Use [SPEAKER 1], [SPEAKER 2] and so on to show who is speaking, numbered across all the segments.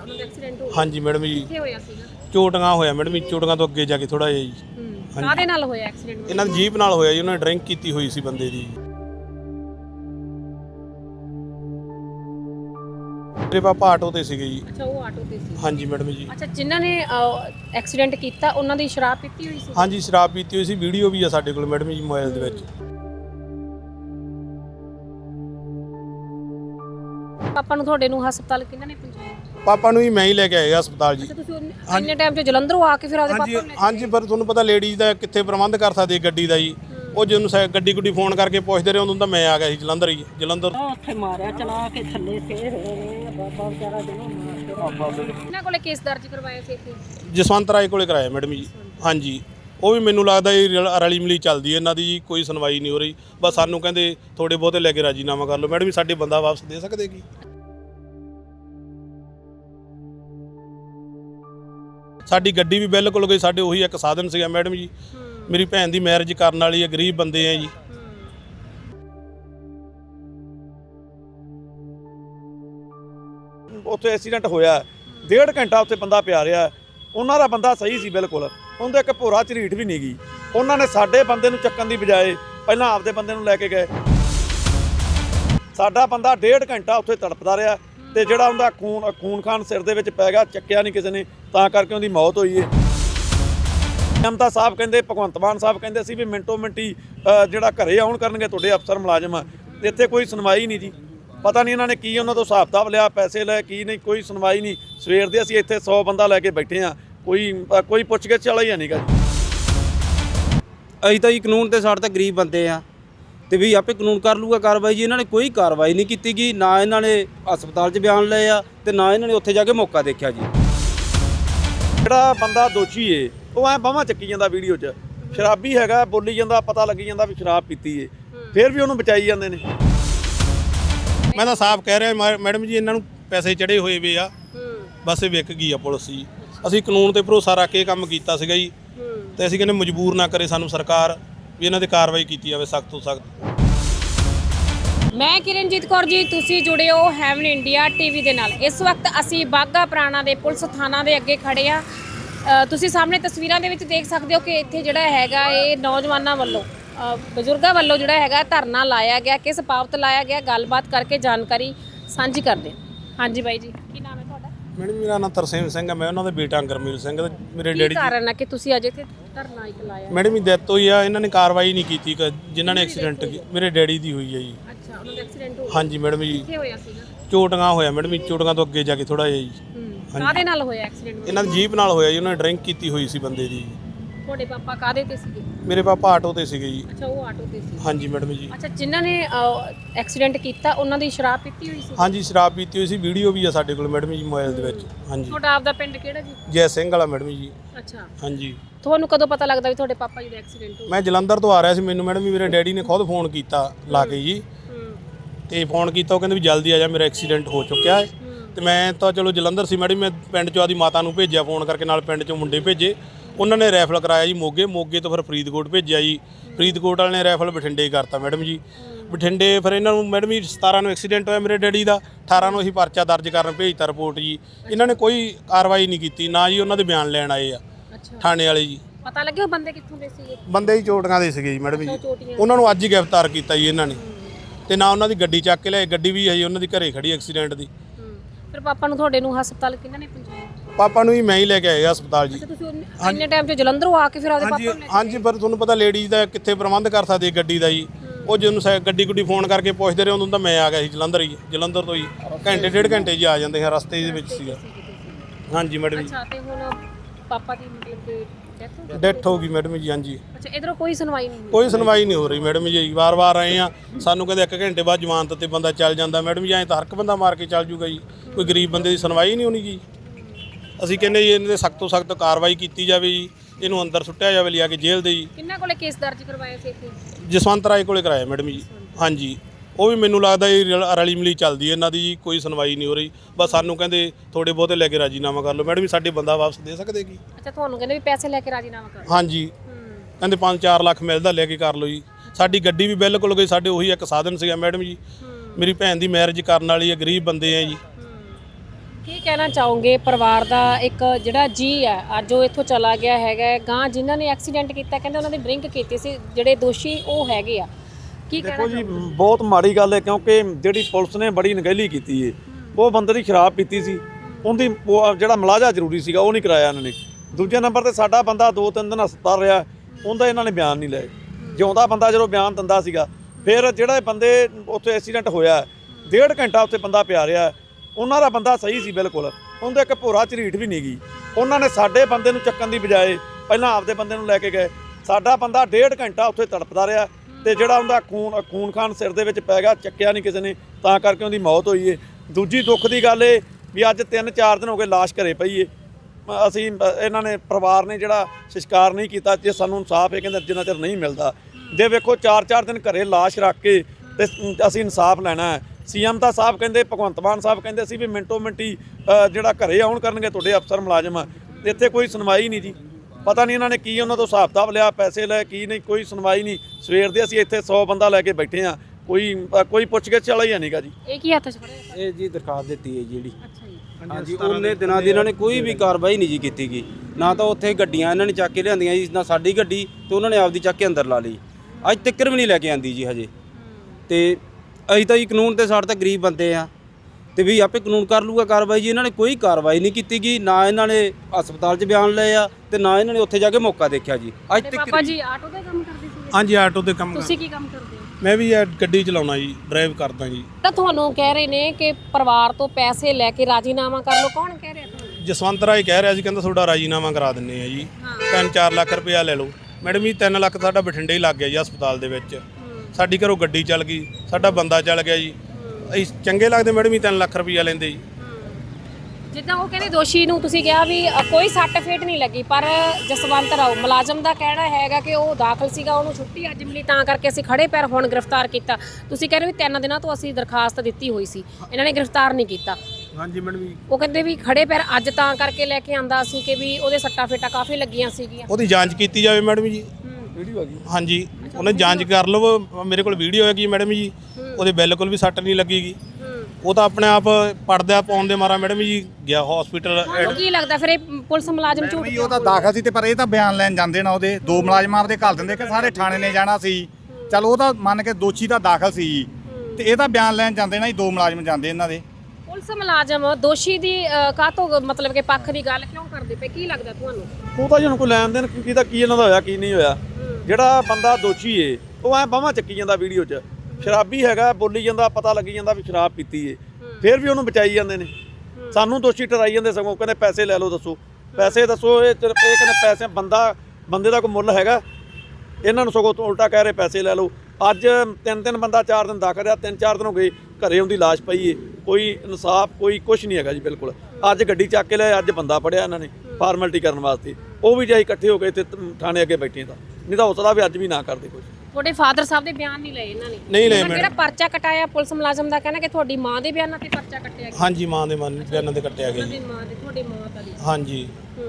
[SPEAKER 1] ਉਹਨਾਂ ਦਾ ਐਕਸੀਡੈਂਟ ਹੋ ਗਿਆ।
[SPEAKER 2] ਹਾਂਜੀ ਮੈਡਮ ਜੀ।
[SPEAKER 1] ਕਿੱਥੇ ਹੋਇਆ ਸੀਗਾ?
[SPEAKER 2] ਚੋਟੀਆਂ ਹੋਇਆ ਮੈਡਮ ਜੀ, ਚੋਟੀਆਂ ਤੋਂ ਅੱਗੇ ਜਾ ਕੇ ਥੋੜਾ ਜਿਹਾ ਜੀ।
[SPEAKER 1] ਕਾਹਦੇ ਨਾਲ ਹੋਇਆ ਐਕਸੀਡੈਂਟ?
[SPEAKER 2] ਇਹਨਾਂ ਦੀ ਜੀਪ ਨਾਲ ਹੋਇਆ ਜੀ, ਉਹਨਾਂ ਨੇ ਡਰਿੰਕ ਕੀਤੀ ਹੋਈ ਸੀ ਬੰਦੇ ਦੀ। ਮੇਰੇ ਪਾਪਾ ਆਟੋ ਤੇ ਸੀਗੇ ਜੀ।
[SPEAKER 1] ਅੱਛਾ, ਉਹ ਆਟੋ ਤੇ ਸੀ।
[SPEAKER 2] ਹਾਂਜੀ ਮੈਡਮ ਜੀ।
[SPEAKER 1] ਅੱਛਾ, ਜਿਨ੍ਹਾਂ ਨੇ ਐਕਸੀਡੈਂਟ ਕੀਤਾ ਉਹਨਾਂ ਦੀ ਸ਼ਰਾਬ ਪੀਤੀ ਹੋਈ ਸੀ?
[SPEAKER 2] ਹਾਂਜੀ ਸ਼ਰਾਬ ਪੀਤੀ ਹੋਈ ਸੀ, ਵੀਡੀਓ ਵੀ ਆ ਸਾਡੇ ਕੋਲ ਮੈਡਮ ਜੀ ਮੋਬਾਈਲ ਦੇ ਵਿੱਚ।
[SPEAKER 1] ਪਾਪਾ ਨੂੰ ਤੁਹਾਡੇ ਨੂੰ ਹਸਪਤਾਲ ਕਿਹਨਾਂ ਨੇ ਪਹੁੰਚਾਇਆ?
[SPEAKER 2] ਪਾਪਾ ਨੂੰ ਹੀ ਮੈਂ ਹੀ ਲੈ ਕੇ ਆਇਆ ਹਸਪਤਾਲ ਜੀ।
[SPEAKER 1] ਅੱਛਾ, ਤੁਸੀਂ ਇੰਨੇ ਟਾਈਮ 'ਚ ਜਲੰਧਰੋਂ ਆ ਕੇ ਫਿਰ ਆਪਦੇ ਪਾਪਾ ਨੂੰ?
[SPEAKER 2] ਹਾਂਜੀ ਪਰ ਤੁਹਾਨੂੰ ਪਤਾ ਲੇਡੀਜ਼ ਦਾ ਕਿੱਥੇ ਪ੍ਰਬੰਧ ਕਰ ਸਕਦੇ ਗੱਡੀ ਦਾ ਜੀ। ਉਹ ਜਿਹਨੂੰ ਗੱਡੀ ਗੁੱਡੀ ਫੋਨ ਕਰਕੇ ਪੁੱਛਦੇ ਰਹੇ ਉਦੋਂ ਤਾਂ ਮੈਂ ਆ ਗਿਆ ਸੀ ਜਲੰਧਰ ਹੀ। ਜਲੰਧਰ
[SPEAKER 3] ਉੱਥੇ ਮਾਰਿਆ ਚਲਾ ਕੇ ਥੱਲੇ ਫੇਰ ਹੋਏ ਬਾਬਾ ਵਿਚਾਰਾ ਜਿਹਨੂੰ ਮਾਰ ਕੇ।
[SPEAKER 1] ਇਹਨਾਂ ਕੋਲੇ ਕੇਸ ਦਰਜ ਕਰਵਾਇਆ ਸੀ ਇੱਥੇ?
[SPEAKER 2] ਜਸਵੰਤ ਰਾਏ ਕੋਲੇ ਕਰਾਇਆ ਮੈਡਮ ਜੀ। ਹਾਂਜੀ ਉਹ ਵੀ ਮੈਨੂੰ ਲੱਗਦਾ ਇਹ ਰਲੀ ਮਿਲੀ ਚੱਲਦੀ ਹੈ ਇਹਨਾਂ ਦੀ ਜੀ, ਕੋਈ ਸੁਣਵਾਈ ਨਹੀਂ ਹੋ ਰਹੀ। ਬਸ ਸਾਨੂੰ ਕਹਿੰਦੇ ਥੋੜੇ ਬਹੁਤੇ ਲੈ ਕੇ ਰਾਜੀਨਾਮਾ ਕਰ ਲਓ। ਮੈਡਮ ਜੀ ਸਾਡੇ ਬੰਦਾ ਵਾਪਸ ਦੇ ਸਕਦੇ ਕੀ? ਸਾਡੀ ਗੱਡੀ ਵੀ ਬਿਲਕੁਲ ਗਈ, ਸਾਡੇ ਉਹੀ ਇੱਕ ਸਾਧਨ ਸੀਗਾ ਮੈਡਮ ਜੀ। ਮੇਰੀ ਭੈਣ ਦੀ ਮੈਰਿਜ ਕਰਨ ਵਾਲੀ ਹੈ, ਗਰੀਬ ਬੰਦੇ ਆ ਜੀ।
[SPEAKER 4] ਉੱਥੇ ਐਕਸੀਡੈਂਟ ਹੋਇਆ, 1.5 ਘੰਟਾ ਉੱਥੇ ਬੰਦਾ ਪਿਆ ਰਿਹਾ। ਉਹਨਾਂ ਦਾ ਬੰਦਾ ਸਹੀ ਸੀ ਬਿਲਕੁਲ, ਉਹਦੇ ਇੱਕ ਭੋਰਾ ਝਰੀਟ ਵੀ ਨਹੀਂ ਗਈ। ਉਹਨਾਂ ਨੇ ਸਾਡੇ ਬੰਦੇ ਨੂੰ ਚੱਕਣ ਦੀ ਬਜਾਏ ਪਹਿਲਾਂ ਆਪਦੇ ਬੰਦੇ ਨੂੰ ਲੈ ਕੇ ਗਏ। ਸਾਡਾ ਬੰਦਾ 1.5 ਘੰਟਾ ਉੱਥੇ ਤੜਪਦਾ ਰਿਹਾ ਤੇ ਜਿਹੜਾ ਉਹਦਾ ਖੂਨ ਖਾਨ ਸਿਰ ਦੇ ਵਿੱਚ ਪੈ ਗਿਆ, ਚੱਕਿਆ ਨਹੀਂ ਕਿਸੇ ਨੇ, ਤਾਂ ਕਰਕੇ ਉਹਦੀ ਮੌਤ ਹੋਈ ਹੈ। ਮਮਤਾ ਸਾਹਿਬ ਕਹਿੰਦੇ, ਭਗਵੰਤ ਮਾਨ ਸਾਹਿਬ ਕਹਿੰਦੇ ਸੀ ਵੀ ਮਿੰਟੋ ਮਿੰਟੀ ਜਿਹੜਾ ਘਰੇ ਆਉਣ ਕਰਨਗੇ ਤੁਹਾਡੇ ਅਫਸਰ ਮੁਲਾਜ਼ਮ। ਇੱਥੇ ਕੋਈ ਸੁਣਵਾਈ ਨਹੀਂ ਜੀ। ਪਤਾ ਨਹੀਂ ਇਹਨਾਂ ਨੇ ਕੀ ਉਹਨਾਂ ਤੋਂ ਹਿਸਾਬ ਕਿਤਾਬ ਲਿਆ, ਪੈਸੇ ਲਏ ਕੀ ਨਹੀਂ, ਕੋਈ ਸੁਣਵਾਈ ਨਹੀਂ। ਸਵੇਰ ਦੇ ਅਸੀਂ ਇੱਥੇ 100 ਬੰਦਾ ਲੈ ਕੇ ਬੈਠੇ ਹਾਂ, ਕੋਈ ਪੁੱਛ ਗਿੱਛ ਵਾਲਾ ਹੀ ਨਹੀਂ ਗਾ ਜੀ।
[SPEAKER 5] ਅਸੀਂ ਤਾਂ ਜੀ ਕਾਨੂੰਨ ਤੇ ਸਾਡੇ ਤਾਂ ਗਰੀਬ ਬੰਦੇ ਆ ਤੇ ਵੀ ਆਪੇ ਕਾਨੂੰਨ ਕਰ ਲੂਗਾ ਕਾਰਵਾਈ ਜੀ। ਇਹਨਾਂ ਨੇ ਕੋਈ ਕਾਰਵਾਈ ਨਹੀਂ ਕੀਤੀ ਗਈ, ਨਾ ਇਹਨਾਂ ਨੇ ਹਸਪਤਾਲ 'ਚ ਬਿਆਨ ਲਏ ਆ ਤੇ ਨਾ ਇਹਨਾਂ ਨੇ ਉੱਥੇ ਜਾ ਕੇ ਮੌਕਾ ਦੇਖਿਆ ਜੀ।
[SPEAKER 4] ਜਿਹੜਾ ਬੰਦਾ ਦੋਸ਼ੀ ਏ ਉਹ ਐ ਬਾਹਾਂ ਚੱਕੀ ਜਾਂਦਾ ਵੀਡੀਓ 'ਚ, ਸ਼ਰਾਬੀ ਹੈਗਾ, ਬੋਲੀ ਜਾਂਦਾ, ਪਤਾ ਲੱਗੀ ਜਾਂਦਾ ਵੀ ਸ਼ਰਾਬ ਪੀਤੀ ਏ, ਫਿਰ ਵੀ ਉਹਨੂੰ ਬਚਾਈ ਜਾਂਦੇ ਨੇ।
[SPEAKER 2] ਮੈਂ ਤਾਂ ਸਾਫ਼ ਕਹਿ ਰਿਹਾ ਮੈਡਮ ਜੀ, ਇਹਨਾਂ ਨੂੰ ਪੈਸੇ ਚੜੇ ਹੋਏ ਵੇ ਆ, ਬਸ ਇਹ ਵਿਕ ਗਈ ਆ ਪੁਲਿਸ ਜੀ। ਅਸੀਂ ਕਾਨੂੰਨ ਤੇ ਭਰੋਸਾ ਰੱਖ ਕੇ ਕੰਮ ਕੀਤਾ ਸੀਗਾ ਜੀ, ਤੇ ਅਸੀਂ ਕਹਿੰਦੇ ਮਜਬੂਰ ਨਾ ਕਰੇ ਸਾਨੂੰ ਸਰਕਾਰ, ਵੀ ਇਹਨਾਂ ਤੇ ਕਾਰਵਾਈ ਕੀਤੀ ਜਾਵੇ ਸਖਤ ਤੋਂ ਸਖਤ।
[SPEAKER 1] ਮੈਂ ਕਿਰਨਜੀਤ ਕੌਰ ਜੀ, ਤੁਸੀਂ ਜੁੜੇ ਹੋ ਹੈਵਨ ਇੰਡੀਆ ਟੀਵੀ ਦੇ ਨਾਲ। ਇਸ ਵਕਤ ਅਸੀਂ ਬਾਘਾ ਪੁਰਾਣਾ ਦੇ ਪੁਲਿਸ ਥਾਣਾ ਦੇ ਅੱਗੇ ਖੜੇ ਆ। ਤੁਸੀਂ ਸਾਹਮਣੇ ਤਸਵੀਰਾਂ ਦੇ ਵਿੱਚ ਦੇਖ ਸਕਦੇ ਹੋ ਕਿ ਇੱਥੇ ਜਿਹੜਾ ਹੈਗਾ ਇਹ ਨੌਜਵਾਨਾਂ ਵੱਲੋਂ, ਬਜ਼ੁਰਗਾਂ ਵੱਲੋਂ ਜਿਹੜਾ ਹੈਗਾ ਧਰਨਾ ਲਾਇਆ ਗਿਆ। ਕਿਸ ਬਾਬਤ ਲਾਇਆ ਗਿਆ, ਗੱਲਬਾਤ ਕਰਕੇ ਜਾਣਕਾਰੀ ਸਾਂਝੀ ਕਰਦੇ ਹਾਂ। ਹਾਂਜੀ ਬਾਈ ਜੀ, ਕੀ ਨਾਮ ਹੈ ਤੁਹਾਡਾ?
[SPEAKER 2] ਮੈਡਮ ਮੇਰਾ ਨਾਮ ਤਰਸੇਮ ਸਿੰਘ ਹੈ, ਮੈਂ ਉਹਨਾਂ ਦੇ ਬੇਟਾ ਗਰਮੀਲ ਸਿੰਘ ਤੇ ਮੇਰੇ
[SPEAKER 1] ਕੀ
[SPEAKER 2] ਡੈਡੀ
[SPEAKER 1] ਕਾਰਨ ਹੈ ਕਿ ਤੁਸੀਂ ਅੱਜ ਇੱਥੇ ਧਰਨਾ ਇੱਕ ਲਾਇਆ?
[SPEAKER 2] ਮੈਡਮ ਦੀ ਡੈਥ ਹੋਈ ਆ, ਇਹਨਾਂ ਨੇ ਕਾਰਵਾਈ ਨਹੀਂ ਕੀਤੀ ਜਿਨ੍ਹਾਂ ਨੇ ਐਕਸੀਡੈਂਟ ਮੇਰੇ ਡੈਡੀ ਦੀ ਹੋਈ ਹੈ ਜੀ।
[SPEAKER 1] ਅੱਛਾ, ਉਹਨਾਂ ਦਾ ਐਕਸੀਡੈਂਟ ਹੋ ਗਿਆ।
[SPEAKER 2] ਹਾਂਜੀ ਮੈਡਮ ਜੀ।
[SPEAKER 1] ਕਿੱਥੇ ਹੋਇਆ ਸੀਗਾ?
[SPEAKER 2] ਚੋਟੀਆਂ ਹੋਇਆ ਮੈਡਮ ਜੀ, ਚੋਟੀਆਂ ਤੋਂ ਅੱਗੇ ਜਾ ਕੇ ਥੋੜਾ ਜਿਹਾ ਜੀ।
[SPEAKER 1] ਕਾਹਦੇ ਨਾਲ ਹੋਇਆ ਐਕਸੀਡੈਂਟ?
[SPEAKER 2] ਇਹਨਾਂ ਦੀ ਜੀਪ ਨਾਲ ਹੋਇਆ ਜੀ, ਉਹਨਾਂ ਨੇ ਡਰਿੰਕ ਕੀਤੀ ਹੋਈ ਸੀ ਬੰਦੇ ਦੀ।
[SPEAKER 1] ਤੁਹਾਡੇ ਪਾਪਾ ਕਾਹਦੇ ਤੇ ਸੀਗੇ?
[SPEAKER 2] ਮੇਰੇ ਪਾਪਾ ਆਟੋ ਤੇ ਸੀਗੇ ਜੀ।
[SPEAKER 1] ਅੱਛਾ, ਉਹ ਆਟੋ ਤੇ ਸੀ।
[SPEAKER 2] ਹਾਂਜੀ ਮੈਡਮ ਜੀ।
[SPEAKER 1] ਅੱਛਾ, ਜਿਨ੍ਹਾਂ ਨੇ ਐਕਸੀਡੈਂਟ ਕੀਤਾ ਉਹਨਾਂ ਦੀ ਸ਼ਰਾਬ ਪੀਤੀ ਹੋਈ ਸੀ?
[SPEAKER 2] ਹਾਂਜੀ ਸ਼ਰਾਬ ਪੀਤੀ ਹੋਈ ਸੀ, ਵੀਡੀਓ ਵੀ ਆ ਸਾਡੇ ਕੋਲ ਮੈਡਮ ਜੀ ਮੋਬਾਈਲ ਦੇ ਵਿੱਚ। ਹਾਂਜੀ
[SPEAKER 1] ਤੁਹਾਡਾ ਆਪਦਾ ਪਿੰਡ ਕਿਹੜਾ ਜੀ?
[SPEAKER 2] ਜੈ ਸਿੰਘ ਵਾਲਾ ਮੈਡਮ ਜੀ।
[SPEAKER 1] ਅੱਛਾ,
[SPEAKER 2] ਹਾਂਜੀ।
[SPEAKER 1] ਤੁਹਾਨੂੰ ਕਦੋਂ ਪਤਾ ਲੱਗਦਾ ਵੀ ਤੁਹਾਡੇ ਪਾਪਾ ਜੀ ਦਾ ਐਕਸੀਡੈਂਟ ਹੋ
[SPEAKER 2] ਮੈਂ ਜਲੰਧਰ ਤੋਂ ਆ ਰਿਹਾ ਸੀ, ਮੈਨੂੰ ਮੈਡਮ ਜੀ ਮੇਰੇ ਡੈਡੀ ਨੇ ਖੁਦ ਫੋਨ ਕੀਤਾ ਲਾ ਕੇ ਜੀ, ਤੇ ਫੋਨ ਕੀਤਾ, ਉਹ ਕਹਿੰਦੇ ਵੀ ਜਲਦੀ ਆ ਜਾ, ਮੇਰਾ ਐਕਸੀਡੈਂਟ ਹੋ ਚੁੱਕਿਆ ਹੈ। ਤੇ ਮੈਂ ਤਾਂ ਚਲੋ ਜਲੰਧਰ ਸੀ ਮੈਡਮ, ਮੈਂ ਪਿੰਡ 'ਚੋਂ ਆਦੀ ਮਾਤਾ ਨੂੰ ਭੇਜਿਆ ਫੋਨ ਕਰਕੇ, ਨਾਲ ਪਿੰਡ 'ਚੋਂ ਮੁੰਡੇ ਭੇਜੇ, ਉਹਨਾਂ ਨੇ ਰੈਫਲ ਕਰਾਇਆ ਜੀ ਮੋਗੇ ਤੋਂ ਫਿਰ ਫਰੀਦਕੋਟ ਭੇਜਿਆ ਜੀ। ਫਰੀਦਕੋਟ ਵਾਲੇ ਨੇ ਰੈਫਲ ਬਠਿੰਡੇ ਕਰਤਾ ਮੈਡਮ ਜੀ। ਬਠਿੰਡੇ ਫਿਰ ਇਹਨਾਂ ਨੂੰ ਮੈਡਮ ਜੀ 17 ਨੂੰ ਐਕਸੀਡੈਂਟ ਹੋਇਆ ਮੇਰੇ ਡੈਡੀ ਦਾ, 18 ਨੂੰ ਅਸੀਂ ਪਰਚਾ ਦਰਜ ਕਰਨ ਭੇਜਤਾ ਰਿਪੋਰਟ ਜੀ। ਇਹਨਾਂ ਨੇ ਕੋਈ ਕਾਰਵਾਈ ਨਹੀਂ ਕੀਤੀ, ਨਾ ਜੀ ਉਹਨਾਂ ਦੇ ਬਿਆਨ ਲੈਣ ਆਏ ਆ ਥਾਣੇ ਵਾਲੇ ਜੀ।
[SPEAKER 1] ਪਤਾ ਲੱਗਿਆ ਉਹ ਬੰਦੇ ਕਿੱਥੋਂ ਦੇ ਸੀਗੇ?
[SPEAKER 2] ਬੰਦੇ ਹੀ ਚੋਟੀਆਂ ਦੇ ਸੀਗੇ ਜੀ ਮੈਡਮ ਜੀ। ਉਹਨਾਂ ਨੂੰ ਅੱਜ ਹੀ ਗ੍ਰਿਫਤਾਰ ਕੀਤਾ ਜੀ ਇਹਨਾਂ ਨੇ, ਤੇ ਨਾ ਉਹਨਾਂ ਦੀ ਗੱਡੀ ਚੱਕ ਕੇ ਲਿਆਏ, ਗੱਡੀ ਵੀ ਹੈ ਉਹਨਾਂ ਦੀ ਘਰੇ ਖੜੀ ਐਕਸੀਡੈਂਟ ਦੀ।
[SPEAKER 1] ਫਿਰ ਪਾਪਾ ਨੂੰ ਤੁਹਾਡੇ ਨੂੰ ਹਸਪਤਾਲ ਕਿਹਨਾਂ ਨੇ ਪਹੁੰਚਾਇਆ?
[SPEAKER 2] ਪਾਪਾ ਨੂੰ ਹੀ ਮੈਂ ਹੀ ਲੈ ਕੇ ਆਇਆ ਹਸਪਤਾਲ ਜੀ।
[SPEAKER 1] ਅੱਛਾ, ਤੁਸੀਂ ਇੰਨੇ ਟਾਈਮ 'ਚ ਜਲੰਧਰੋਂ ਆ ਕੇ ਫਿਰ ਆਪਦੇ ਪਾਪਾ ਨੂੰ?
[SPEAKER 2] ਹਾਂਜੀ ਪਰ ਤੁਹਾਨੂੰ ਪਤਾ ਲੇਡੀਜ਼ ਦਾ ਕਿੱਥੇ ਪ੍ਰਬੰਧ ਕਰ ਸਕਦੇ ਗੱਡੀ ਦਾ ਜੀ। ਉਹ ਜਿਹਨੂੰ ਗੱਡੀ ਗੁੱਡੀ ਫੋਨ ਕਰਕੇ ਪੁੱਛਦੇ ਰਹੇ ਉਦੋਂ ਤਾਂ ਮੈਂ ਆ ਗਿਆ ਸੀ ਜਲੰਧਰ ਹੀ। ਜਲੰਧਰ ਤੋਂ ਹੀ ਘੰਟੇ 1.5 ਘੰਟੇ ਜੀ ਆ ਜਾਂਦੇ ਹਾਂ, ਰਸਤੇ ਦੇ ਵਿੱਚ ਸੀਗਾ। ਹਾਂਜੀ ਮੈਡਮ ਜੀ।
[SPEAKER 1] ਅੱਛਾ, ਤੇ ਹੁਣ ਪਾਪਾ ਦੀ ਮਤਲਬ ਕਿ
[SPEAKER 2] ਡੈਥ ਹੋ ਗਈ ਮੈਡਮ ਜੀ। ਹਾਂਜੀ।
[SPEAKER 1] ਅੱਛਾ, ਇਧਰੋਂ ਕੋਈ ਸੁਣਵਾਈ ਨਹੀਂ ਹੋਈ?
[SPEAKER 2] ਕੋਈ ਸੁਣਵਾਈ ਨਹੀਂ ਹੋ ਰਹੀ ਮੈਡਮ ਜੀ। ਵਾਰ-ਵਾਰ ਆਏ ਆ, ਸਾਨੂੰ ਕਹਿੰਦੇ 1 ਘੰਟੇ ਬਾਅਦ ਜ਼ਮਾਨਤ ਤੇ ਬੰਦਾ ਚੱਲ ਜਾਂਦਾ। ਮੈਡਮ ਜੀ ਐਂ ਤਾਂ ਹਰ ਇੱਕ ਬੰਦਾ ਮਾਰ ਕੇ ਚੱਲ ਜੂਗਾ ਜੀ, ਕੋਈ ਗਰੀਬ ਬੰਦੇ ਦੀ ਸੁਣਵਾਈ ਨਹੀਂ ਹੋਣੀ ਜੀ। ਅਸੀਂ ਕਹਿੰਦੇ ਜੀ ਇਹਨਾਂ ਦੇ ਸਖਤ ਤੋਂ ਸਖਤ ਕਾਰਵਾਈ ਕੀਤੀ ਜਾਵੇ ਜੀ, ਇਹਨੂੰ ਅੰਦਰ ਸੁੱਟਿਆ ਜਾਵੇ ਲਿਆ ਕੇ ਜੇਲ੍ਹ ਦੇ ਜੀ।
[SPEAKER 1] ਕਿੰਨਾ ਕੋਲੇ ਕੇਸ ਦਰਜ ਕਰਵਾਇਆ ਸੀ ਇੱਥੇ?
[SPEAKER 2] ਜਸਵੰਤ ਰਾਏ ਕੋਲੇ ਕਰਾਇਆ ਮੈਡਮ ਜੀ। ਹਾਂਜੀ ਉਹ ਵੀ ਮੈਨੂੰ ਲੱਗਦਾ ਇਹ ਰਲੀ ਮਿਲੀ ਚੱਲਦੀ ਹੈ ਇਹਨਾਂ ਦੀ ਜੀ, ਕੋਈ ਸੁਣਵਾਈ ਨਹੀਂ ਹੋ ਰਹੀ। ਬਸ ਸਾਨੂੰ ਕਹਿੰਦੇ ਥੋੜੇ ਬਹੁਤੇ ਲੈ ਕੇ ਰਾਜੀਨਾਮਾ ਕਰ ਲਓ। ਮੈਡਮ ਜੀ ਸਾਡੇ ਬੰਦਾ ਵਾਪਸ ਦੇ ਸਕਦੇ ਕੀ?
[SPEAKER 1] ਅੱਛਾ, ਤੁਹਾਨੂੰ ਕਹਿੰਦੇ ਵੀ ਪੈਸੇ ਲੈ ਕੇ ਰਾਜੀਨਾਮਾ ਕਰੋ?
[SPEAKER 2] ਹਾਂਜੀ ਕਹਿੰਦੇ 5-4 ਲੱਖ ਮਿਲਦਾ, ਲੈ ਕੇ ਕਰ ਲਓ ਜੀ। ਸਾਡੀ ਗੱਡੀ ਵੀ ਬਿਲਕੁਲ ਗਈ, ਸਾਡੇ ਉਹੀ ਇੱਕ ਸਾਧਨ ਸੀਗਾ ਮੈਡਮ ਜੀ। ਮੇਰੀ ਭੈਣ ਦੀ ਮੈਰਿਜ ਕਰਨ ਵਾਲੀ ਹੈ, ਗਰੀਬ ਬੰਦੇ ਆ ਜੀ।
[SPEAKER 1] ਕੀ ਕਹਿਣਾ ਚਾਹੋਗੇ ਪਰਿਵਾਰ ਦਾ ਇੱਕ ਜਿਹੜਾ ਜੀ ਹੈ ਅੱਜ ਉਹ ਇੱਥੋਂ ਚਲਾ ਗਿਆ ਹੈਗਾ ਗਾਂ ਜਿਨ੍ਹਾਂ ਨੇ ਐਕਸੀਡੈਂਟ ਕੀਤਾ ਕਹਿੰਦੇ ਉਹਨਾਂ ਦੀ ਡਰਿੰਕ ਕੀਤੀ ਸੀ ਜਿਹੜੇ ਦੋਸ਼ੀ ਉਹ ਹੈਗੇ ਆ ਕੀ ਕਹਿਣਾ
[SPEAKER 4] ਦੇਖੋ ਜੀ ਬਹੁਤ ਮਾੜੀ ਗੱਲ ਹੈ ਕਿਉਂਕਿ ਜਿਹੜੀ ਪੁਲਿਸ ਨੇ ਬੜੀ ਨਗਹਿਲੀ ਕੀਤੀ ਏ ਉਹ ਬੰਦੇ ਦੀ ਸ਼ਰਾਬ ਪੀਤੀ ਸੀ ਉਹਦੀ ਜਿਹੜਾ ਮੁਲਾਜ਼ਾ ਜ਼ਰੂਰੀ ਸੀਗਾ ਉਹ ਨਹੀਂ ਕਰਾਇਆ ਇਹਨਾਂ ਨੇ। ਦੂਜੇ ਨੰਬਰ ਤੇ ਸਾਡਾ ਬੰਦਾ 2-3 ਦਿਨ ਹਸਪਤਾਲ ਰਿਹਾ ਉਹਦਾ ਇਹਨਾਂ ਨੇ ਬਿਆਨ ਨਹੀਂ ਲਏ। ਜਿਉਂਦਾ ਬੰਦਾ ਜਦੋਂ ਬਿਆਨ ਦਿੰਦਾ ਸੀਗਾ ਫਿਰ ਜਿਹੜੇ ਬੰਦੇ ਉੱਥੇ ਐਕਸੀਡੈਂਟ ਹੋਇਆ 1.5 ਘੰਟਾ ਉੱਥੇ ਬੰਦਾ ਪਿਆ ਰਿਹਾ ਉਹਨਾਂ ਦਾ ਬੰਦਾ ਸਹੀ ਸੀ ਬਿਲਕੁਲ ਉਹਦੇ ਇੱਕ ਭੋਰਾ ਝਰੀਟ ਵੀ ਨਹੀਂ ਗਈ। ਉਹਨਾਂ ਨੇ ਸਾਡੇ ਬੰਦੇ ਨੂੰ ਚੱਕਣ ਦੀ ਬਜਾਏ ਪਹਿਲਾਂ ਆਪਦੇ ਬੰਦੇ ਨੂੰ ਲੈ ਕੇ ਗਏ। ਸਾਡਾ ਬੰਦਾ 1.5 ਘੰਟਾ ਉੱਥੇ ਤੜਪਦਾ ਰਿਹਾ ਤੇ ਜਿਹੜਾ ਉਹਦਾ ਖੂਨ ਖਾਨ ਸਿਰ ਦੇ ਵਿੱਚ ਪੈ ਗਿਆ ਚੱਕਿਆ ਨਹੀਂ ਕਿਸੇ ਨੇ ਤਾਂ ਕਰਕੇ ਉਹਦੀ ਮੌਤ ਹੋਈ ਏ। ਦੂਜੀ ਦੁੱਖ ਦੀ ਗੱਲ ਏ ਵੀ ਅੱਜ 3-4 ਦਿਨ ਹੋ ਗਏ ਲਾਸ਼ ਘਰੇ ਪਈ ਏ। ਅਸੀਂ ਇਹਨਾਂ ਨੇ ਪਰਿਵਾਰ ਨੇ ਜਿਹੜਾ ਸੰਸਕਾਰ ਨਹੀਂ ਕੀਤਾ ਜੇ ਸਾਨੂੰ ਇਨਸਾਫ ਇਹ ਕਹਿੰਦੇ ਜਿੰਨਾ ਚਿਰ ਨਹੀਂ ਮਿਲਦਾ ਜੇ ਵੇਖੋ 4-4 ਦਿਨ ਘਰੇ ਲਾਸ਼ ਰੱਖ ਕੇ ਤੇ ਅਸੀਂ ਇਨਸਾਫ ਲੈਣਾ ਹੈ। ਸੀਐਮ ਤਾਂ ਸਾਹਿਬ ਕਹਿੰਦੇ ਭਗਵੰਤ ਮਾਨ ਸਾਹਿਬ ਕਹਿੰਦੇ ਸੀ ਵੀ ਮਿੰਟੋ ਮਿੰਟੀ ਜਿਹੜਾ ਘਰੇ ਆਉਣ ਕਰਨਗੇ ਤੁਹਾਡੇ ਅਫਸਰ ਮੁਲਾਜ਼ਮ ਇੱਥੇ ਕੋਈ ਸੁਣਵਾਈ ਨਹੀਂ ਜੀ। ਪਤਾ ਨਹੀਂ ਇਹਨਾਂ ਨੇ ਕੀ ਉਹਨਾਂ ਤੋਂ ਹਿਸਾਬ ਕਿਤਾਬ ਲਿਆ ਪੈਸੇ ਲਏ ਕੀ ਨਹੀਂ ਕੋਈ ਸੁਣਵਾਈ ਨਹੀਂ। ਸਵੇਰ ਦੇ ਅਸੀਂ ਇੱਥੇ 100 ਬੰਦਾ ਲੈ ਕੇ ਬੈਠੇ ਆ ਕੋਈ ਪੁੱਛਗਿੱਛ ਵਾਲਾ ਹੀ ਨਹੀਂ ਗਾ ਜੀ।
[SPEAKER 1] ਇਹ ਕੀ ਹੱਥ 'ਚ ਫੜਿਆ
[SPEAKER 5] ਇਹ ਜੀ ਦਰਖਾਸਤ ਦਿੱਤੀ ਹੈ ਜਿਹੜੀ
[SPEAKER 1] ਅੱਛਾ ਜੀ
[SPEAKER 5] ਹਾਂਜੀ ਉਹਨੇ ਦਿਨਾਂ ਦੀ ਇਹਨਾਂ ਨੇ ਕੋਈ ਵੀ ਕਾਰਵਾਈ ਨਹੀਂ ਜੀ ਕੀਤੀ ਗਈ। ਨਾ ਤਾਂ ਉੱਥੇ ਗੱਡੀਆਂ ਇਹਨਾਂ ਨੇ ਚੱਕ ਕੇ ਲਿਆਂਦੀਆਂ ਜੀ ਨਾ ਸਾਡੀ ਗੱਡੀ ਤੇ ਉਹਨਾਂ ਨੇ ਆਪਦੀ ਚੱਕ ਕੇ ਅੰਦਰ ਲਾ ਲਈ। ਅੱਜ ਤੱਕ ਵੀ ਨਹੀਂ ਲੈ ਕੇ ਆਂਦੀ ਜੀ ਹਜੇ। ਤੇ ਅਸੀਂ ਤਾਂ ਜੀ ਕਾਨੂੰਨ ਤੇ ਸਾਡੇ ਤਾਂ ਗਰੀਬ ਬੰਦੇ ਆ ਤੇ ਵੀ ਆਪੇ ਕਾਨੂੰਨ ਕਰ ਲੂਗਾ ਕਾਰਵਾਈ ਜੀ। ਇਹਨਾਂ ਨੇ ਕੋਈ ਕਾਰਵਾਈ ਨਹੀਂ ਕੀਤੀ ਗਈ ਨਾ ਇਹਨਾਂ ਨੇ ਹਸਪਤਾਲ 'ਚ ਬਿਆਨ ਲਏ ਆ ਤੇ ਨਾ ਇਹਨਾਂ ਨੇ ਉੱਥੇ ਜਾ ਕੇ ਮੌਕਾ ਦੇਖਿਆ ਜੀ ਅੱਜ
[SPEAKER 1] ਤੇ
[SPEAKER 5] ਤੱਕ।
[SPEAKER 1] ਪਾਪਾ ਜੀ ਆਟੋ ਦਾ ਕੰਮ ਕਰਦੇ ਸੀ
[SPEAKER 2] ਹਾਂਜੀ ਆਟੋ ਤੇ ਕੰਮ
[SPEAKER 1] ਤੁਸੀਂ ਕੀ ਕੰਮ ਕਰਦੇ ਹੋ?
[SPEAKER 2] ਮੈਂ ਵੀ ਇਹ ਗੱਡੀ ਚਲਾਉਣਾ ਜੀ ਡਰਾਈਵ ਕਰਦਾ ਜੀ।
[SPEAKER 1] ਤਾਂ ਤੁਹਾਨੂੰ ਕਹਿ ਰਹੇ ਨੇ ਕਿ ਪਰਿਵਾਰ ਤੋਂ ਪੈਸੇ ਲੈ ਕੇ ਰਾਜੀਨਾਮਾ ਕਰ ਲਓ ਕੌਣ ਕਹਿ ਰਿਹਾ ਤੁਹਾਨੂੰ?
[SPEAKER 2] ਜਸਵੰਤ ਰਾਏ ਕਹਿ ਰਿਹਾ ਸੀ ਕਹਿੰਦਾ ਤੁਹਾਡਾ ਰਾਜੀਨਾਮਾ ਕਰਾ ਦਿੰਨੇ ਆ ਜੀ 3-4 ਲੱਖ ਰੁਪਇਆ ਲੈ ਲਓ। ਮੈਡਮ ਜੀ 3 ਲੱਖ ਸਾਡਾ ਬਠਿੰਡੇ ਹੀ ਲੱਗ ਗਿਆ ਜੀ ਹਸਪਤਾਲ ਦੇ ਵਿੱਚ। ਸਾਡੀ ਘਰੋਂ ਗੱਡੀ ਚੱਲ ਗਈ ਸਾਡਾ ਬੰਦਾ ਚੱਲ ਗਿਆ ਜੀ। ਅਸੀਂ ਚੰਗੇ ਲੱਗਦੇ ਮੈਡਮ ਜੀ 3 ਲੱਖ ਰੁਪਇਆ ਲੈਂਦੇ ਜੀ।
[SPEAKER 1] ਜਿੱਦਾਂ ਉਹ ਕਹਿੰਦੇ ਦੋਸ਼ੀ ਨੂੰ ਤੁਸੀਂ ਕਿਹਾ ਵੀ ਕੋਈ ਸੱਟ ਫੇਟ ਨਹੀਂ ਲੱਗੀ ਪਰ ਜਸਵੰਤ ਰਾਓ ਮੁਲਾਜ਼ਮ ਦਾ ਕਹਿਣਾ ਹੈਗਾ ਕਿ ਉਹ ਦਾਖਲ ਸੀਗਾ ਉਹਨੂੰ ਛੁੱਟੀ ਅੱਜ ਮਿਲੀ ਤਾਂ ਕਰਕੇ ਅਸੀਂ ਖੜੇ ਪੈਰ ਹੁਣ ਗ੍ਰਿਫਤਾਰ ਕੀਤਾ। ਤੁਸੀਂ ਕਹਿ ਰਹੇ ਵੀ 3 ਦਿਨਾਂ ਤੋਂ ਅਸੀਂ ਦਰਖਾਸਤ ਦਿੱਤੀ ਹੋਈ ਸੀ ਇਹਨਾਂ ਨੇ ਗ੍ਰਿਫਤਾਰ ਨਹੀਂ ਕੀਤਾ।
[SPEAKER 2] ਹਾਂਜੀ ਮੈਡਮ ਜੀ
[SPEAKER 1] ਉਹ ਕਹਿੰਦੇ ਵੀ ਖੜੇ ਪੈਰ ਅੱਜ ਤਾਂ ਕਰਕੇ ਲੈ ਕੇ ਆਂਦਾ ਸੀ ਕਿ ਵੀ ਉਹਦੇ ਸੱਟਾਂ ਫੇਟਾਂ ਕਾਫੀ ਲੱਗੀਆਂ ਸੀਗੀਆਂ।
[SPEAKER 2] ਉਹਦੀ ਜਾਂਚ ਕੀਤੀ ਜਾਵੇ ਮੈਡਮ ਜੀ।
[SPEAKER 4] ਵੀਡੀਓ ਆ ਗਈ
[SPEAKER 2] ਹਾਂਜੀ ਉਹਨੇ ਜਾਂਚ ਕਰ ਲਵੋ। ਮੇਰੇ ਕੋਲ ਵੀਡੀਓ ਹੈਗੀ ਮੈਡਮ ਜੀ ਉਹਦੇ ਬਿਲਕੁਲ ਵੀ ਸੱਟ ਨਹੀਂ ਲੱਗੀਗੀ। ਉਹ ਤਾਂ ਆਪਣੇ ਆਪ ਪੜਦਿਆ ਪਾਉਣ ਦੇ ਮਾਰਾ ਮੈਡਮ ਜੀ ਗਿਆ ਹਸਪੀਟਲ।
[SPEAKER 1] ਤੁਹਾਨੂੰ ਕੀ ਲੱਗਦਾ ਫਿਰ ਇਹ ਪੁਲਿਸ ਮੁਲਾਜ਼ਮ ਝੂਠ
[SPEAKER 6] ਉਹ ਤਾਂ ਦਾਖਲ ਸੀ ਤੇ ਪਰ ਇਹ ਤਾਂ ਬਿਆਨ ਲੈਣ ਜਾਂਦੇ ਨਾ ਉਹਦੇ 2 ਮੁਲਾਜ਼ਮਾਂ ਆਪਦੇ ਘੱਲ ਦਿੰਦੇ ਕਿ ਸਾਰੇ ਥਾਣੇ ਨੇ ਜਾਣਾ ਸੀ। ਚਲ ਉਹ ਤਾਂ ਮੰਨ ਕੇ ਦੋਸ਼ੀ ਤਾਂ ਦਾਖਲ ਸੀ ਤੇ ਇਹ ਤਾਂ ਬਿਆਨ ਲੈਣ ਜਾਂਦੇ ਨਾ 2 ਮੁਲਾਜ਼ਮ ਜਾਂਦੇ ਇਹਨਾਂ ਦੇ।
[SPEAKER 1] ਪੁਲਿਸ ਮੁਲਾਜ਼ਮ ਦੋਸ਼ੀ ਦੀ ਕਾਹਤੋਂ ਮਤਲਬ ਕਿ ਪੱਖ ਦੀ ਗੱਲ ਕਿਉਂ ਕਰਦੇ ਪਏ ਕੀ ਲੱਗਦਾ ਤੁਹਾਨੂੰ?
[SPEAKER 4] ਉਹ ਤਾਂ ਜੀ ਹੁਣ ਕੋਈ ਲੈਣ ਦੇਣ ਕੀ ਤਾਂ ਕੀ ਇਹਨਾਂ ਦਾ ਹੋਇਆ ਕੀ ਨਹੀਂ ਹੋਇਆ। ਜਿਹੜਾ ਬੰਦਾ ਦੋਸ਼ੀ ਏ ਉਹ ਐ ਬਾਹਾਂ ਚੱਕੀ ਜਾਂਦਾ ਵੀਡੀਓ 'ਚ ਸ਼ਰਾਬੀ ਹੈਗਾ ਬੋਲੀ ਜਾਂਦਾ ਪਤਾ ਲੱਗੀ ਜਾਂਦਾ ਵੀ ਸ਼ਰਾਬ ਪੀਤੀ ਏ ਫਿਰ ਵੀ ਉਹਨੂੰ ਬਚਾਈ ਜਾਂਦੇ ਨੇ। ਸਾਨੂੰ ਦੋਸ਼ੀ ਟਰਾਈ ਜਾਂਦੇ ਸਗੋਂ ਕਹਿੰਦੇ ਪੈਸੇ ਲੈ ਲਓ ਦੱਸੋ ਪੈਸੇ ਦੱਸੋ। ਇਹ ਕਹਿੰਦੇ ਪੈਸੇ ਬੰਦੇ ਦਾ ਕੋਈ ਮੁੱਲ ਹੈਗਾ ਇਹਨਾਂ ਨੂੰ ਸਗੋਂ ਉਲਟਾ ਕਹਿ ਰਹੇ ਪੈਸੇ ਲੈ ਲਓ। ਅੱਜ 3 ਬੰਦਾ 4 ਦਿਨ ਦਾਖਲ ਰਿਹਾ 3-4 ਦਿਨ ਹੋ ਗਏ ਘਰੇ ਉਹਦੀ ਲਾਸ਼ ਪਈ ਏ ਕੋਈ ਇਨਸਾਫ ਕੋਈ ਕੁਝ ਨਹੀਂ ਹੈਗਾ ਜੀ ਬਿਲਕੁਲ। ਅੱਜ ਗੱਡੀ ਚੱਕ ਕੇ ਲਿਆ ਅੱਜ ਬੰਦਾ ਫੜਿਆ ਇਹਨਾਂ ਨੇ ਫਾਰਮੈਲਿਟੀ ਕਰਨ ਵਾਸਤੇ ਉਹ ਵੀ ਜਾਈ ਇਕੱਠੇ ਹੋ ਗਏ ਤੇ ਥਾਣੇ ਅੱਗੇ ਬੈਠੇ ਤਾਂ ਨਹੀਂ ਤਾਂ ਹੋ ਸਕਦਾ ਵੀ ਅੱਜ ਵੀ ਨਾ ਕਰਦੇ ਕੁਝ।
[SPEAKER 1] ਤੁਹਾਡੇ ਫਾਦਰ ਸਾਹਿਬ ਦੇ ਬਿਆਨ ਨਹੀਂ ਲਏ ਇਹਨਾਂ ਨੇ?
[SPEAKER 2] ਨਹੀਂ ਲਏ
[SPEAKER 1] ਜਿਹੜਾ ਪਰਚਾ ਕਟਾਇਆ ਪੁਲਿਸ ਮੁਲਾਜ਼ਮ ਦਾ ਕਹਿਣਾ ਕਿ ਤੁਹਾਡੀ ਮਾਂ ਦੇ ਬਿਆਨਾਂ ਤੇ ਪਰਚਾ ਕੱਟਿਆ ਗਿਆ।
[SPEAKER 2] ਹਾਂਜੀ ਮਾਂ ਦੇ ਬਿਆਨਾਂ ਤੇ ਕੱਟਿਆ ਗਿਆ ਜੀ।
[SPEAKER 1] ਮਾਂ ਦੇ ਤੁਹਾਡੀ ਮਾਂ ਦੀ
[SPEAKER 2] ਹਾਂਜੀ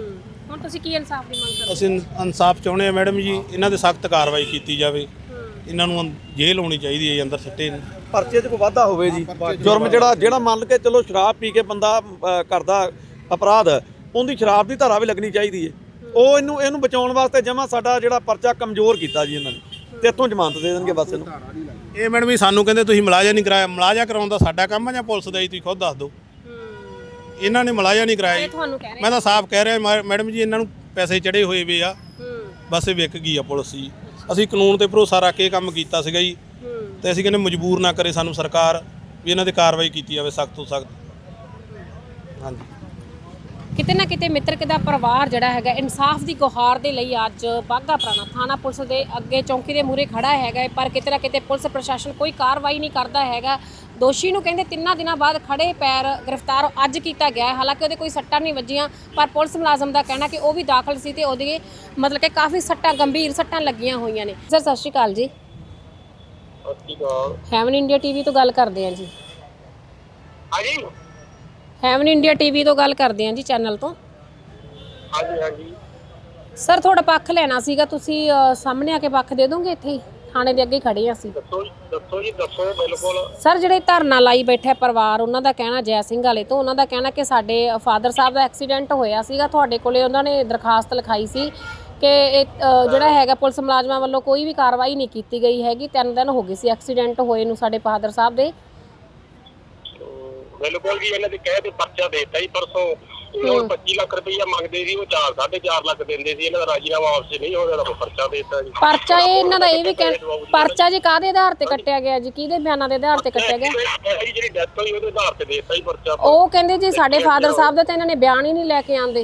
[SPEAKER 1] ਹੁਣ ਤੁਸੀਂ ਕੀ ਇਨਸਾਫ ਦੀ ਮੰਗ ਕਰਦੇ?
[SPEAKER 2] ਅਸੀਂ ਇਨਸਾਫ ਚਾਹੁੰਦੇ ਆ ਮੈਡਮ ਜੀ ਇਹਨਾਂ ਦੇ ਸਖਤ ਕਾਰਵਾਈ ਕੀਤੀ ਜਾਵੇ। ਇਹਨਾਂ ਨੂੰ ਜੇਲ੍ਹ ਹੋਣੀ ਚਾਹੀਦੀ ਹੈ ਅੰਦਰ ਸਿੱਟੇ।
[SPEAKER 4] ਪਰਚੇ 'ਚ ਕੋਈ ਵਾਧਾ ਹੋਵੇ ਜੀ। ਜੁਰਮ ਜਿਹੜਾ ਮੰਨ ਕੇ ਚਲੋ ਸ਼ਰਾਬ ਪੀ ਕੇ ਬੰਦਾ ਕਰਦਾ ਅਪਰਾਧ ਉਹਦੀ ਸ਼ਰਾਬ ਦੀ ਧਾਰਾ ਵੀ ਲੱਗਣੀ ਚਾਹੀਦੀ ਹੈ। ਉਹ ਇਹਨੂੰ ਬਚਾਉਣ ਵਾਸਤੇ ਜਮਾ ਸਾਡਾ ਜਿਹੜਾ ਪਰਚਾ ਕਮਜ਼ੋਰ ਕੀਤਾ ਜੀ ਇਹਨਾਂ ਨੇ ਤੇ ਇੱਥੋਂ ਜ਼ਮਾਨਤ ਦੇ ਦੇਣਗੇ ਬਸ ਇਹਨੂੰ।
[SPEAKER 2] ਇਹ ਮੈਡਮ ਜੀ ਸਾਨੂੰ ਕਹਿੰਦੇ ਤੁਸੀਂ ਮੁਲਾਜ਼ਾ ਨਹੀਂ ਕਰਾਇਆ। ਮੁਲਾਜ਼ਾ ਕਰਾਉਣ ਦਾ ਸਾਡਾ ਕੰਮ ਹੈ ਜਾਂ ਪੁਲਿਸ ਦਾ ਜੀ ਤੁਸੀਂ ਖੁਦ ਦੱਸ ਦਿਓ। ਇਹਨਾਂ ਨੇ ਮੁਲਾਜ਼ਾ ਨਹੀਂ ਕਰਾਇਆ ਜੀ।
[SPEAKER 1] ਤੁਹਾਨੂੰ ਕਹਿ ਰਹੇ
[SPEAKER 2] ਮੈਂ ਤਾਂ ਸਾਫ਼ ਕਹਿ ਰਿਹਾ ਮੈਡਮ ਜੀ ਇਹਨਾਂ ਨੂੰ ਪੈਸੇ ਚੜੇ ਹੋਏ ਵੇ ਆ ਬਸ ਇਹ ਵਿਕ ਗਈ ਆ ਪੁਲਿਸ ਜੀ। ਅਸੀਂ ਕਾਨੂੰਨ ਤੇ ਭਰੋਸਾ ਰੱਖ ਕੇ ਕੰਮ ਕੀਤਾ ਸੀਗਾ ਜੀ ਤੇ ਅਸੀਂ ਕਹਿੰਦੇ ਮਜਬੂਰ ਨਾ ਕਰੇ ਸਾਨੂੰ ਸਰਕਾਰ ਵੀ ਇਹਨਾਂ ਤੇ ਕਾਰਵਾਈ ਕੀਤੀ ਜਾਵੇ ਸਖਤ ਤੋਂ ਸਖਤ। ਹਾਂਜੀ
[SPEAKER 1] ਕਿਤੇ ਨਾ ਕਿਤੇ ਮਿੱਤਰਕ ਦਾ ਪਰਿਵਾਰ ਜਿਹੜਾ ਹੈਗਾ ਇਨਸਾਫ ਦੀ ਗੁਹਾਰ ਦੇ ਲਈ ਅੱਜ ਬਾਘਾ ਪੁਰਾਣਾ ਥਾਣਾ ਪੁਲਿਸ ਦੇ ਅੱਗੇ ਚੌਂਕੀ ਦੇ ਮੂਹਰੇ ਖੜਾ ਹੈਗਾ ਪਰ ਕਿਤੇ ਨਾ ਕਿਤੇ ਪੁਲਿਸ ਪ੍ਰਸ਼ਾਸਨ ਕੋਈ ਕਾਰਵਾਈ ਨਹੀਂ ਕਰਦਾ ਹੈਗਾ। ਦੋਸ਼ੀ ਨੂੰ ਕਹਿੰਦੇ 3 ਦਿਨਾਂ ਬਾਅਦ ਖੜੇ ਪੈਰ ਗ੍ਰਿਫਤਾਰ ਅੱਜ ਕੀਤਾ ਗਿਆ ਹੈ। ਹਾਲਾਂਕਿ ਉਹਦੇ ਕੋਈ ਸੱਟਾਂ ਨਹੀਂ ਵੱਜੀਆਂ ਪਰ ਪੁਲਿਸ ਮੁਲਾਜ਼ਮ ਦਾ ਕਹਿਣਾ ਕਿ ਉਹ ਵੀ ਦਾਖਲ ਸੀ ਤੇ ਉਹਦੇ ਮਤਲਬ ਕਿ ਕਾਫੀ ਸੱਟਾਂ ਗੰਭੀਰ ਸੱਟਾਂ ਲੱਗੀਆਂ ਹੋਈਆਂ ਨੇ। ਸਰ ਸਤਿ ਸ਼੍ਰੀ ਅਕਾਲ ਜੀ। ਹੈਵਨ ਇੰਡੀਆ ਟੀਵੀ ਤੋਂ ਗੱਲ ਕਰਦੇ ਹਾਂ ਜੀ।
[SPEAKER 7] ਹਾਂਜੀ
[SPEAKER 1] ਹੈਵਨ ਇੰਡੀਆ ਟੀਵੀ ਤੋਂ ਗੱਲ ਕਰਦੇ ਹਾਂ ਜੀ ਚੈਨਲ ਤੋਂ।
[SPEAKER 7] ਹਾਂਜੀ
[SPEAKER 1] ਸਰ ਤੁਹਾਡਾ ਪੱਖ ਲੈਣਾ ਸੀਗਾ ਤੁਸੀਂ ਸਾਹਮਣੇ ਆ ਕੇ ਪੱਖ ਦੇ ਦੋਗੇ ਇੱਥੇ ਹੀ ਥਾਣੇ ਦੇ ਅੱਗੇ ਖੜੇ ਹਾਂ ਅਸੀਂ।
[SPEAKER 7] ਦੱਸੋ ਜੀ ਦੱਸੋ ਬਿਲਕੁਲ।
[SPEAKER 1] ਸਰ ਜਿਹੜੇ ਧਰਨਾ ਲਾਈ ਬੈਠੇ ਪਰਿਵਾਰ, ਉਹਨਾਂ ਦਾ ਕਹਿਣਾ ਜੈ ਸਿੰਘ ਵਾਲੇ ਤੋਂ, ਉਹਨਾਂ ਦਾ ਕਹਿਣਾ ਕਿ ਸਾਡੇ ਫਾਦਰ ਸਾਹਿਬ ਦਾ ਐਕਸੀਡੈਂਟ ਹੋਇਆ ਸੀਗਾ, ਤੁਹਾਡੇ ਕੋਲੇ ਉਹਨਾਂ ਨੇ ਦਰਖਾਸਤ ਲਿਖਾਈ ਸੀ ਕਿ ਇਹ ਜਿਹੜਾ ਹੈਗਾ ਪੁਲਿਸ ਮੁਲਾਜ਼ਮਾਂ ਵੱਲੋਂ ਕੋਈ ਵੀ ਕਾਰਵਾਈ ਨਹੀਂ ਕੀਤੀ ਗਈ ਹੈਗੀ। 3 ਦਿਨ ਹੋ ਗਏ ਸੀ ਐਕਸੀਡੈਂਟ ਹੋਏ ਨੂੰ ਸਾਡੇ ਫਾਦਰ ਸਾਹਿਬ ਦੇ।
[SPEAKER 7] ਬਿਲਕੁਲ ਜੀ, ਇਹਨਾਂ ਦੇ ਕਹਿ ਤੇ ਪਰਚਾ ਦੇ ਦਿੱਤਾ ਜੀ ਪਰਸੋਂ। ਉਹ 25 ਲੱਖ ਰੁਪਈਆ ਮੰਗਦੇ ਸੀ, ਉਹ 4.5 ਲੱਖ ਦਿੰਦੇ ਸੀ। ਇਹਨਾਂ ਦਾ ਰਾਜੀਨਾਮਾ ਵਾਪਸ ਨਹੀਂ ਹੋ ਰਿਹਾ, ਉਹ ਪਰਚਾ ਦੇ ਦਿੱਤਾ ਜੀ।
[SPEAKER 1] ਪਰਚਾ ਇਹ ਇਹਨਾਂ ਦਾ ਇਹ ਵੀ ਪਰਚਾ ਜੀ ਕਾਹਦੇ ਆਧਾਰ ਤੇ ਕੱਟਿਆ ਗਿਆ ਜੀ, ਕਿਹਦੇ ਬਿਆਨਾਂ ਦੇ ਆਧਾਰ ਤੇ ਕੱਟਿਆ ਗਿਆ?
[SPEAKER 7] ਜਿਹੜੀ ਡੈਥ ਹੋਈ ਉਹਦੇ ਆਧਾਰ ਤੇ ਦੇ ਦਿੱਤਾ ਜੀ ਪਰਚਾ।
[SPEAKER 1] ਉਹ ਕਹਿੰਦੇ ਜੀ ਸਾਡੇ ਫਾਦਰ ਸਾਹਿਬ ਦਾ ਤਾਂ ਇਹਨਾਂ ਨੇ ਬਿਆਨ ਹੀ ਨਹੀਂ ਲੈ ਕੇ ਆਂਦੇ।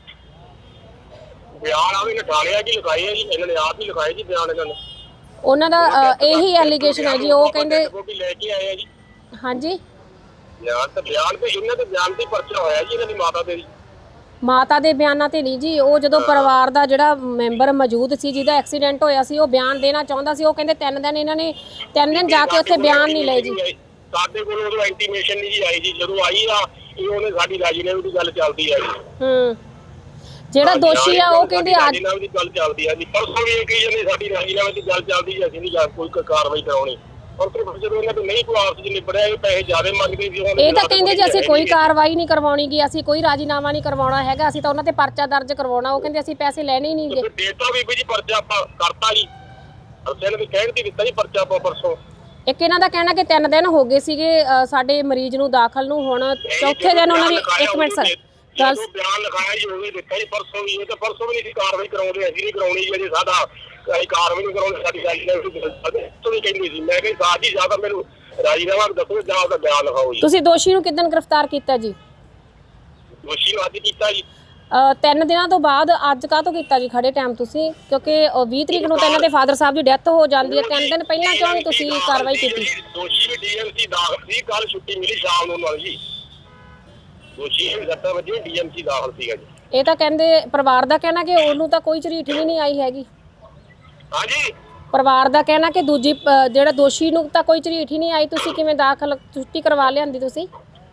[SPEAKER 7] ਬਿਆਨ ਆ ਵੀ ਲਿਖਾਇਆ ਜੀ, ਲਿਖਾਏ ਆ ਜੀ, ਇਹਨਾਂ ਨੇ ਆਪ ਹੀ ਲਿਖਾਏ ਜੀ ਬਿਆਨ ਇਹਨਾਂ ਨੇ।
[SPEAKER 1] ਉਹਨਾਂ ਦਾ ਇਹੀ ਐਲੀਗੇਸ਼ਨ ਹੈ ਜੀ। ਉਹ ਕਹਿੰਦੇ
[SPEAKER 7] ਵੀ ਲੈ ਕੇ ਆਏ ਆ ਜੀ
[SPEAKER 1] ਹਾਂਜੀ
[SPEAKER 7] ਬਿਆਨ ਤੇ ਇਹਨਾਂ ਦੇ ਬਿਆਨ ਤੇ ਪਰਚਾ ਹੋਇਆ ਜੀ ਇਹਨਾਂ ਦੀ ਮਾਤਾ ਦੇ ਜੀ।
[SPEAKER 1] ਮਾਤਾ ਦੇ ਬਿਆਨਾਂ ਤੇ ਨਹੀਂ ਜੀ। ਉਹ ਜਦੋਂ ਪਰਿਵਾਰ ਦਾ ਜਿਹੜਾ ਮੈਂਬਰ ਮੌਜੂਦ ਸੀ ਜਿਹਦਾ ਐਕਸੀਡੈਂਟ ਹੋਇਆ ਸੀ, ਉਹ ਬਿਆਨ ਦੇਣਾ ਚਾਹੁੰਦਾ ਸੀ। ਉਹ ਕਹਿੰਦੇ 3 ਦਿਨ ਇਹਨਾਂ ਨੇ 3 ਦਿਨ ਜਾ ਕੇ ਉੱਥੇ ਬਿਆਨ ਨਹੀਂ ਲਏ ਜੀ।
[SPEAKER 7] ਸਾਡੇ ਕੋਲ ਉਦੋਂ ਇੰਟੀਮੇਸ਼ਨ ਨਹੀਂ ਜੀ ਆਈ ਜੀ। ਜਦੋਂ ਆਈ ਆ ਇਹ ਉਹਨੇ ਸਾਡੀ ਰਾਜੀਨਾਮੇ ਦੀ ਗੱਲ ਚੱਲਦੀ ਆ ਜੀ।
[SPEAKER 1] ਜਿਹੜਾ ਦੋਸ਼ੀ ਆ ਉਹ ਕਹਿੰਦੇ ਅੱਜ
[SPEAKER 7] ਰਾਜੀਨਾਮੇ ਦੀ ਗੱਲ ਚੱਲਦੀ ਆ ਜੀ। ਪਰਸੋਂ ਵੀ ਇਹ ਕਹੀ ਜਾਂਦੇ ਸਾਡੀ ਰਾਜੀਨਾਮੇ ਦੀ ਗੱਲ ਚੱਲਦੀ ਜੀ, ਅਸੀਂ ਨਹੀਂ ਕੋਈ ਕਾਰਵਾਈ ਕਰਾਉਣੀ। ਔਰ ਫਿਰ ਜਦੋਂ ਇਹਨਾਂ ਤੋਂ ਨਹੀਂ ਕੋਈ ਆਪਸ ਵਿੱਚ ਨਿਬੜਿਆ, ਇਹ ਪੈਸੇ ਜ਼ਿਆਦਾ ਮੰਗਦੇ ਸੀ।
[SPEAKER 1] ਇਹ ਤਾਂ ਕਹਿੰਦੇ ਜੀ ਅਸੀਂ ਕੋਈ ਕਾਰਵਾਈ ਨਹੀਂ ਕਰਵਾਉਣੀ ਗੀ, ਅਸੀਂ ਕੋਈ ਰਾਜੀਨਾਮਾ ਨਹੀਂ ਕਰਵਾਉਣਾ ਹੈਗਾ, ਅਸੀਂ ਤਾਂ ਉਹਨਾਂ ਤੇ ਪਰਚਾ ਦਰਜ ਕਰਵਾਉਣਾ। ਉਹ ਕਹਿੰਦੇ ਅਸੀਂ ਪੈਸੇ ਲੈਣੇ ਹੀ ਨਹੀਂਗੇ।
[SPEAKER 7] ਡੇਟਾ ਵੀ ਜੀ ਪਰਚਾ ਆਪਾਂ ਕਰਤਾ ਜੀ, ਅਸੀਂ ਇਹਨਾਂ ਦੇ ਕਹਿਣ ਦੀ ਦਿੱਤਾ ਜੀ ਪਰਚਾ ਆਪਾਂ ਪਰਸੋਂ।
[SPEAKER 1] ਇੱਕ ਇਹਨਾਂ ਦਾ ਕਹਿਣਾ ਕਿ 3 ਦਿਨ ਹੋ ਗਏ ਸੀਗੇ ਸਾਡੇ ਮਰੀਜ਼ ਨੂੰ ਦਾਖਲ ਨੂੰ, ਹੁਣ ਚੌਥੇ ਦਿਨ ਉਹਨਾਂ ਦੀ 1 ਮਿੰਟ ਸਰ ਗੱਲ
[SPEAKER 7] ਬਿਆਨ ਲਿਖਾਇਆ ਜੀ, ਉਹਨੇ ਦਿੱਤਾ ਜੀ ਪਰਸੋਂ ਵੀ। ਇਹ ਤਾਂ ਪਰਸੋਂ ਵੀ ਨਹੀਂ ਕਾਰਵਾਈ ਕਰਾਉਂਦੇ, ਅਸੀਂ ਨਹੀਂ ਕਰਾਉਣੀ ਜੀ। ਸਾਡਾ ਕਾਰਵਾਈ ਨਹੀਂ ਕਰਾਉਣੀ, ਸਾਡੀ ਰਾਜੀਨਾਮੇ ਤੋਂ ਵੀ ਕਹਿੰਦੀ ਸੀ। ਮੈਂ ਕਿਹਾ ਸਾਜ ਜੀ ਜ਼ਿਆਦਾ ਮੈਨੂੰ ਰਾਜੀਨਾਮਾ ਦੱਸੋ ਜਾਂ ਉਹਦਾ ਬਿਆਨ ਲਿਖਾਓ ਜੀ।
[SPEAKER 1] ਤੁਸੀਂ ਦੋਸ਼ੀ ਨੂੰ ਕਿੱਦਣ ਗ੍ਰਿਫਤਾਰ ਕੀਤਾ ਜੀ?
[SPEAKER 7] ਦੋਸ਼ੀ ਨੂੰ ਅੱਜ ਕੀਤਾ ਜੀ।
[SPEAKER 1] 3 ਦਿਨਾਂ ਤੋਂ ਬਾਅਦ ਅੱਜ ਕਾਹਤੋਂ ਕੀਤਾ ਜੀ ਖੜੇ ਟਾਈਮ ਤੁਸੀਂ? ਕਿਉਂਕਿ 20 ਤਰੀਕ ਨੂੰ ਤਾਂ ਇਹਨਾਂ ਦੇ ਫਾਦਰ ਸਾਹਿਬ ਦੀ ਡੈਥ ਹੋ ਜਾਂਦੀ ਹੈ। 3 ਦਿਨ ਪਹਿਲਾਂ ਕਿਉਂ ਨਹੀਂ ਤੁਸੀਂ ਕਾਰਵਾਈ ਕੀਤੀ?
[SPEAKER 7] ਦੋਸ਼ੀ ਵੀ ਡੀਐਮਸੀ ਦਾਖਲ ਸੀ, ਕੱਲ ਛੁੱਟੀ ਮਿਲੀ ਸ਼ਾਮ ਨੂੰ ਨਾਲ ਜੀ। ਦੋਸ਼ੀ 7 ਵਜੇ ਡੀਐਮਸੀ ਦਾਖਲ ਸੀਗਾ ਜੀ।
[SPEAKER 1] ਇਹ ਤਾਂ ਕਹਿੰਦੇ ਪਰਿਵਾਰ ਦਾ ਕਹਿਣਾ ਕਿ ਉਹਨੂੰ ਤਾਂ ਕੋਈ ਝਰੀਟ ਵੀ ਨਹੀਂ ਆਈ ਹੈਗੀ।
[SPEAKER 7] ਹਾਂਜੀ
[SPEAKER 1] ਪਰਿਵਾਰ ਦਾ ਕਹਿਣਾ ਕਿ ਦੂਜੀ ਜਿਹੜਾ ਦੋਸ਼ੀ ਨੂੰ ਤਾਂ ਕੋਈ ਝਰੀਟ ਹੀ ਨਹੀਂ ਆਈ। ਤੁਸੀਂ ਕਿਵੇਂ ਦਾਖਲ ਛੁੱਟੀ ਕਰਵਾ ਲਿਆਂਦੀ ਤੁਸੀਂ?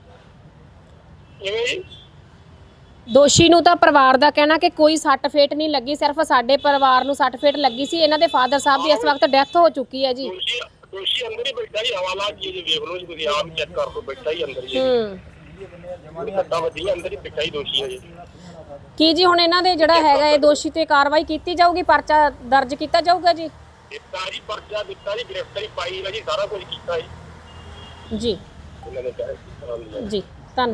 [SPEAKER 7] ਕਿਵੇਂ ਜੀ?
[SPEAKER 1] ਦੋਸ਼ੀ ਨੂੰ ਤਾਂ ਪਰਿਵਾਰ ਦਾ ਕਹਿਣਾ ਕਿ ਕੋਈ ਸੱਟ ਫੇਟ ਨਹੀਂ ਲੱਗੀ, ਸਿਰਫ ਸਾਡੇ ਪਰਿਵਾਰ ਨੂੰ ਸੱਟ ਫੇਟ ਲੱਗੀ ਸੀ। ਇਹਨਾਂ ਦੇ ਫਾਦਰ ਸਾਹਿਬ ਦੀ ਇਸ ਵਕਤ ਡੈਥ ਹੋ ਚੁੱਕੀ ਹੈ ਜੀ।
[SPEAKER 7] ਦੋਸ਼ੀ ਅੰਦਰ ਹੀ ਬੈਠਾ ਜੀ, ਹਵਾਲਾ ਜੀ ਵੇਖ ਲਓ ਜੀ, ਤੁਸੀਂ ਆਪ ਚੈੱਕ ਕਰ ਲਓ, ਬੈਠਾ ਹੀ ਅੰਦਰ ਜੀ। ਸੱਟਾਂ ਵੱਜੀਆਂ, ਅੰਦਰ ਹੀ ਬੈਠਾ ਹੀ ਦੋਸ਼ੀ ਹੈ ਜੀ।
[SPEAKER 1] ਕੀ ਜੀ ਹੁਣ ਇਹਨਾਂ ਦੇ ਜਿਹੜਾ ਹੈਗਾ ਇਹ ਦੋਸ਼ੀ ਤੇ ਕਾਰਵਾਈ ਕੀਤੀ ਜਾਊਗੀ, ਪਰਚਾ ਦਰਜ ਕੀਤਾ ਜਾਊਗਾ ਜੀ?
[SPEAKER 7] ਦਿੱਤਾ ਜੀ ਪਰਚਾ ਦਿੱਤਾ ਜੀ, ਗ੍ਰਿਫਤਾਰੀ ਪਾਈ ਹੈ ਜੀ, ਸਾਰਾ ਕੁਝ ਕੀਤਾ ਜੀ
[SPEAKER 1] ਜੀ
[SPEAKER 7] ਇਹਨਾਂ ਨੇ ਕਿਹਾ
[SPEAKER 1] ਜੀ।